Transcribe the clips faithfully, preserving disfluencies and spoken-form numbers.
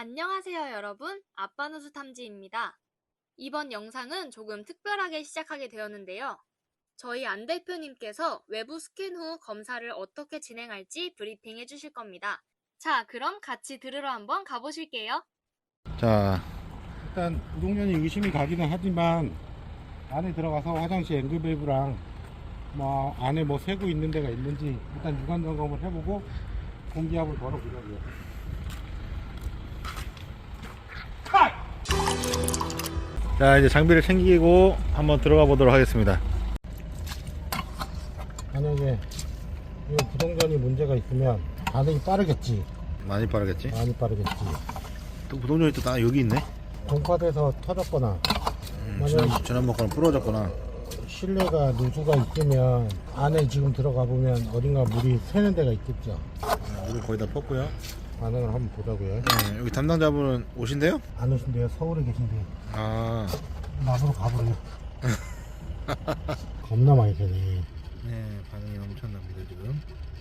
안녕하세요 여러분, 아빠누수 탐지입니다. 이번 영상은 조금 특별하게 시작하게 되었는데요. 저희 안 대표님께서 외부 스캔 후 검사를 어떻게 진행할지 브리핑 해주실 겁니다. 자, 그럼 같이 들으러 한번 가보실게요. 자, 일단 우동면이 의심이 가기는 하지만 안에 들어가서 화장실 앵글밸브랑 뭐 안에 뭐 새고 있는 데가 있는지 일단 유관 점검을 해보고 공기압을 걸어보자고요. 자, 이제 장비를 챙기고 한번 들어가 보도록 하겠습니다. 만약에 이 부동전이 문제가 있으면 반응이 빠르겠지. 많이 빠르겠지? 많이 빠르겠지. 또 부동전이 또 다 여기 있네? 동파돼서 터졌거나 음, 지난, 지난번 거는 부러졌거나. 실내가 누수가 있으면 안에 지금 들어가 보면 어딘가 물이 새는 데가 있겠죠. 물을 거의 다 폈고요. 반응을 한번 보자고요. 네, 여기 담당자분은 오신대요? 안 오신대요. 서울에 계신데요. 아, 나무로 가보래요. 겁나 많이 새네. 네, 반응이 엄청납니다 지금.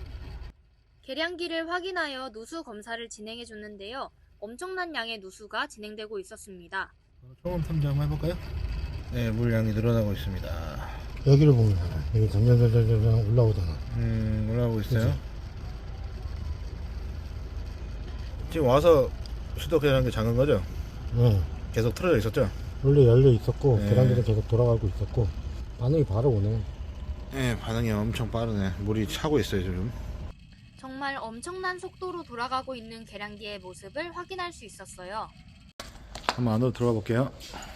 계량기를 확인하여 누수 검사를 진행해 줬는데요. 엄청난 양의 누수가 진행되고 있었습니다. 초음 탐지 한번 해볼까요? 네, 물량이 늘어나고 있습니다. 여기를 보면 여기 점점점점점 올라오잖아. 음, 올라오고 있어요. 그치? 지금 와서 수도계량기 잠근 거죠? 네. 계속 틀어져 있었죠? 원래 열려 있었고 네. 계란기는 계속 돌아가고 있었고 반응이 바로 오네. 네, 반응이 엄청 빠르네. 물이 차고 있어요 지금. 정말 엄청난 속도로 돌아가고 있는 계량기의 모습을 확인할 수 있었어요. 한번 안으로 들어가 볼게요.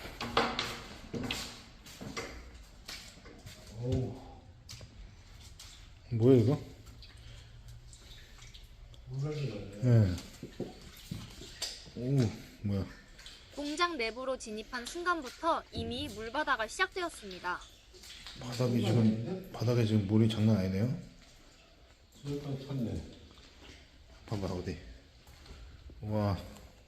오. 뭐야 이거? 네. 오, 뭐야? 공장 내부로 진입한 순간부터 이미 물바다가 시작되었습니다. 바닥이 지금 바닥에 지금 물이 장난 아니네요. 여기까지 찼네. 봐봐 어디? 와,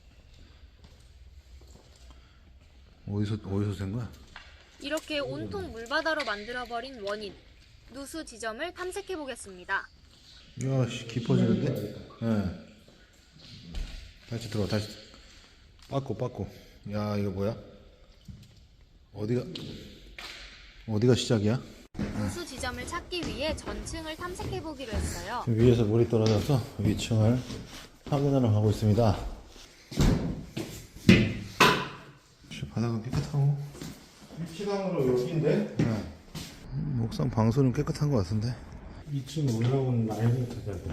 어디서 어디서 샌 거야? 이렇게 온통 물바다로 만들어버린 원인, 누수 지점을 탐색해 보겠습니다. 이야, 씨, 깊어지는데? 예. 네. 다시 들어와, 다시. 빠꾸, 빠꾸. 야, 이거 뭐야? 어디가, 어디가 시작이야? 누수 지점을 찾기 위해 전층을 탐색해 보기로 했어요. 지금 위에서 물이 떨어져서 위층을 확인하러 가고 있습니다. 혹시 바닥은 깨끗하고? 위치상으로 여기인데 네. 목상 방수는 깨끗한 것 같은데? 이 층 올라오는 라인을 찾아야 돼.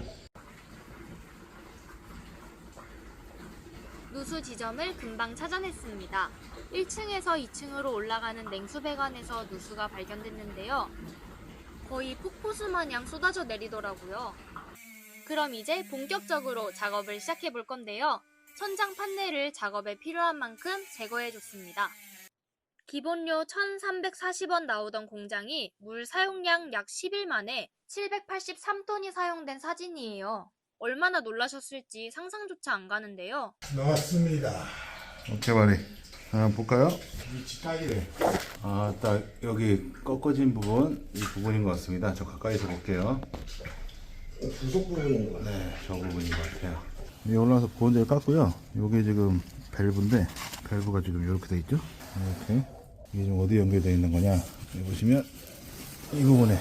누수 지점을 금방 찾아냈습니다. 일 층에서 이 층으로 올라가는 냉수배관에서 누수가 발견됐는데요. 거의 폭포수 마냥 쏟아져 내리더라고요. 그럼 이제 본격적으로 작업을 시작해 볼 건데요. 천장 판넬을 작업에 필요한 만큼 제거해 줬습니다. 기본료 천삼백사십 원 나오던 공장이 물 사용량 약 십 일 만에 칠백팔십삼 톤이 사용된 사진이에요. 얼마나 놀라셨을지 상상조차 안 가는데요. 나왔습니다. 오케이, 말이. 한번 볼까요? 위치 딱이래. 아, 딱 여기 꺾어진 부분, 이 부분인 것 같습니다. 저 가까이서 볼게요. 부속 부분인 거 같아. 네, 저 부분인 것 같아요. 여기 올라와서 보온재를 깠고요. 요게 지금 밸브인데, 밸브가 지금 이렇게 돼 있죠? 이렇게. 이게 지금 어디 연결되어 있는 거냐? 여기 보시면, 이 부분에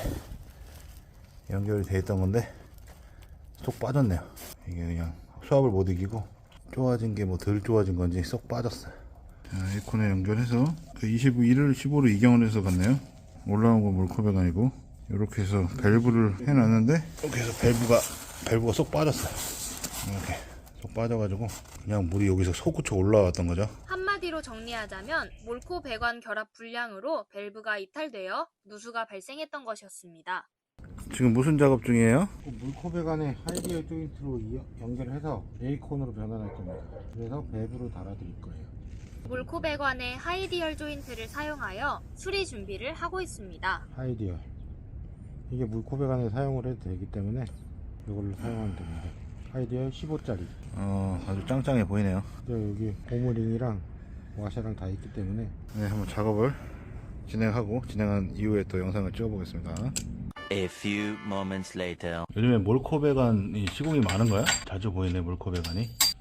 연결이 되어 있던 건데, 쏙 빠졌네요. 이게 그냥 수압을 못 이기고, 좋아진 게 뭐 덜 좋아진 건지 쏙 빠졌어요. 자, 에코에 연결해서, 그 이십일을 십오로 이경을 해서 갔네요. 올라온 건 몰코배관이고, 이렇게 해서 밸브를 해놨는데, 이렇게 해서 밸브가, 밸브가 쏙 빠졌어요. 이렇게 쏙 빠져가지고, 그냥 물이 여기서 솟구쳐 올라왔던 거죠. 한마디로 정리하자면 몰코 배관 결합 불량으로 밸브가 이탈되어 누수가 발생했던 것이었습니다. 지금 무슨 작업 중이에요? 그 물코배관에 하이디어 조인트로 이- 연결해서 레이콘으로 변환할 겁니다. 그래서 밸브로 달아드릴 거예요. 몰코 배관의 하이디얼 조인트를 사용하여 수리 준비를 하고 있습니다. 하이디어. 이게 물코배관에 사용을 해도 되기 때문에 이걸로 사용하면 됩니다. 하이디어 십오짜리. 어, 아주 짱짱해 보이네요. 여기 고무링이랑 와샤랑 다 있기 때문에 네, 한번 작업을 진행하고, 진행한 이후에 또 영상을 찍어보겠습니다. A few moments later. 요즘에 몰코배관이 시공이 많은 거야? 자주 보이네, 몰코배관이.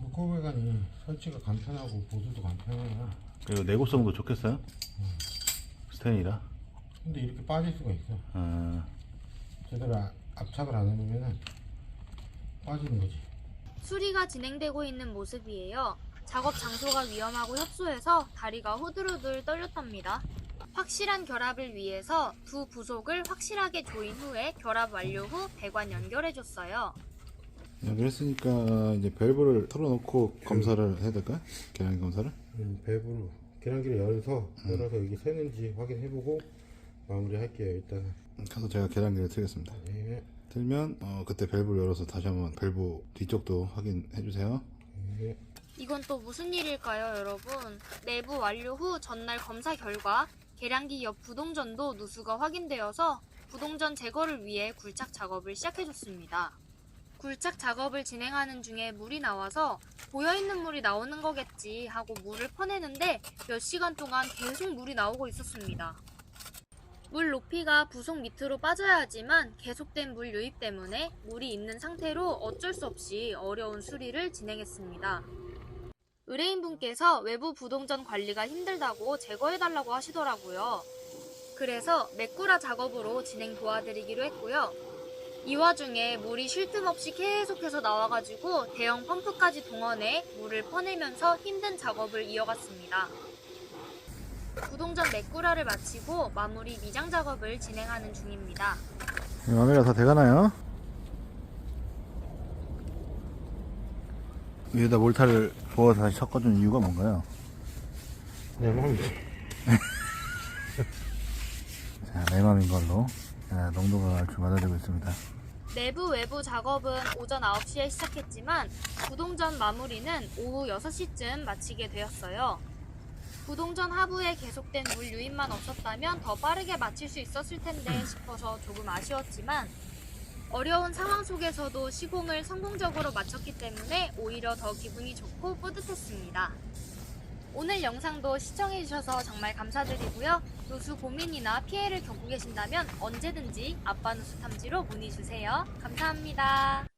코베간이 설치가 간편하고 보수도 간편해요. 그리고 내구성도 좋겠어요? 스테인이라. 근데 이렇게 빠질 수가 있어. 아, 제대로 아- 압착을 안 해놓으면 빠지는 거지. 수리가 진행되고 있는 모습이에요. 작업 장소가 위험하고 협소해서 다리가 후들후들 떨렸답니다. 확실한 결합을 위해서 두 부속을 확실하게 조인 후에 결합 완료 후 배관 연결해줬어요. 연결했으니까 이제 밸브를 털어놓고 검사를 해야 될까요? 계량 검사를? 음, 밸브로 계량기를 열어서 열어서 여기 새는지 확인해보고 마무리 할게요. 일단은. 가서 제가 계량기를 틀겠습니다. 네. 틀면 어, 그때 밸브를 열어서 다시 한번 밸브 뒤쪽도 확인해 주세요. 네. 이건 또 무슨 일일까요, 여러분? 내부 완료 후 전날 검사 결과 계량기 옆 부동전도 누수가 확인되어서 부동전 제거를 위해 굴착 작업을 시작해줬습니다. 굴착 작업을 진행하는 중에 물이 나와서 고여있는 물이 나오는 거겠지 하고 물을 퍼내는데 몇 시간 동안 계속 물이 나오고 있었습니다. 물 높이가 부속 밑으로 빠져야 하지만 계속된 물 유입 때문에 물이 있는 상태로 어쩔 수 없이 어려운 수리를 진행했습니다. 의뢰인분께서 외부 부동전 관리가 힘들다고 제거해달라고 하시더라고요. 그래서 메꾸라 작업으로 진행 도와드리기로 했고요. 이 와중에 물이 쉴 틈 없이 계속해서 나와가지고 대형 펌프까지 동원해 물을 퍼내면서 힘든 작업을 이어갔습니다. 부동전 메꾸라를 마치고 마무리 미장 작업을 진행하는 중입니다. 마무리가 다 돼가나요? 위에다 몰타를 부어서 다시 섞어준 이유가 뭔가요? 내 맘이지. 자, 내 맘인 걸로. 자, 농도가 얼추 맞아지고 있습니다. 내부 외부 작업은 오전 아홉 시에 시작했지만 부동전 마무리는 오후 여섯 시쯤 마치게 되었어요. 부동전 하부에 계속된 물 유입만 없었다면 더 빠르게 마칠 수 있었을 텐데 싶어서 조금 아쉬웠지만 어려운 상황 속에서도 시공을 성공적으로 마쳤기 때문에 오히려 더 기분이 좋고 뿌듯했습니다. 오늘 영상도 시청해주셔서 정말 감사드리고요. 누수 고민이나 피해를 겪고 계신다면 언제든지 아빠 누수 탐지로 문의주세요. 감사합니다.